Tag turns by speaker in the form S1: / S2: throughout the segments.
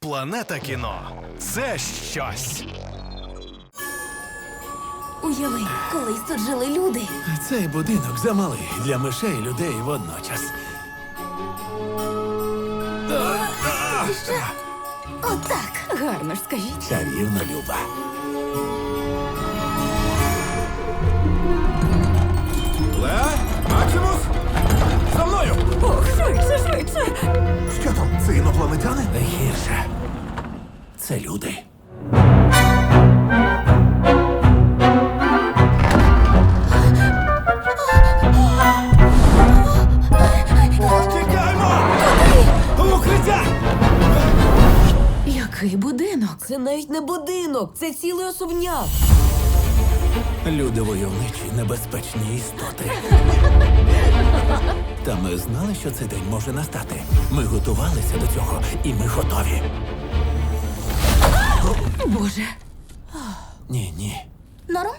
S1: Планета кіно – це щось.
S2: Уяви, колись тут жили люди.
S3: Цей будинок замалий для мишей і людей водночас.
S2: Що? Отак. Гарно ж скажіть.
S3: Чарівно, Люба.
S4: Леа? Максимус? За мною!
S2: Ох, швидше, швидше.
S4: Що там? Це інопланетяни?
S3: Не гірше. Це люди.
S4: Тікаймо! В укриття!
S2: Який будинок? Це навіть не будинок, це цілий особняк.
S3: Люди войовничі, небезпечні істоти. Та ми знали, що цей день може настати. Ми готувалися до цього, і ми готові.
S2: Боже.
S3: Ні.
S2: Норм?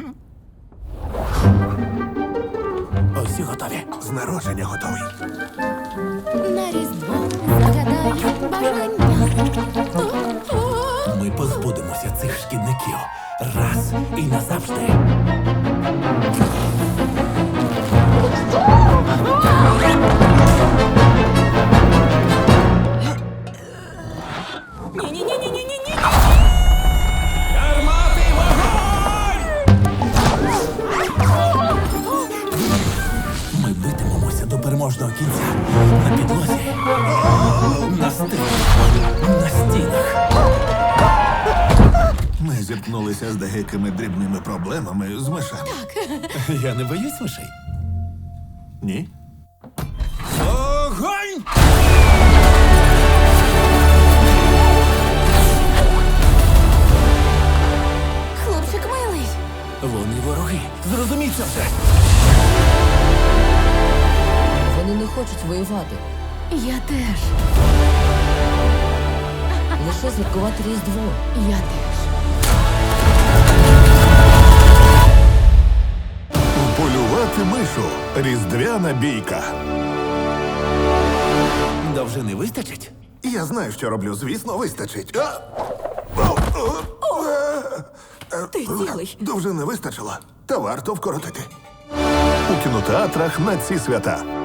S3: Усі готові.
S4: З народження готовий.
S2: На різдво загадаю бажання.
S3: Ми позбудемося цих шкідників раз і назавжди.
S2: Ні-ні-ні-ні-ні-ні.
S4: Гармати вогонь!
S3: Ми битимемося до переможного кінця. На підлозі, на стелі, на стінах.
S4: Ми зіткнулися з деякими дрібними проблемами з мишами.
S3: Я не боюсь мишей.
S4: Ні? Огонь!
S2: Хлопчик милий.
S3: Вони вороги. Зрозумій це вже.
S5: Вони не хочуть воювати,
S2: Я теж.
S5: лише святкувати Різдво.
S2: Я теж.
S4: Полювати мишу. Різдвяна бійка.
S3: Довжини вистачить?
S4: Я знаю, що роблю. Звісно, вистачить.
S2: Ти цілий.
S4: Довжини вистачило. Та варто вкоротити. У кінотеатрах на ці свята.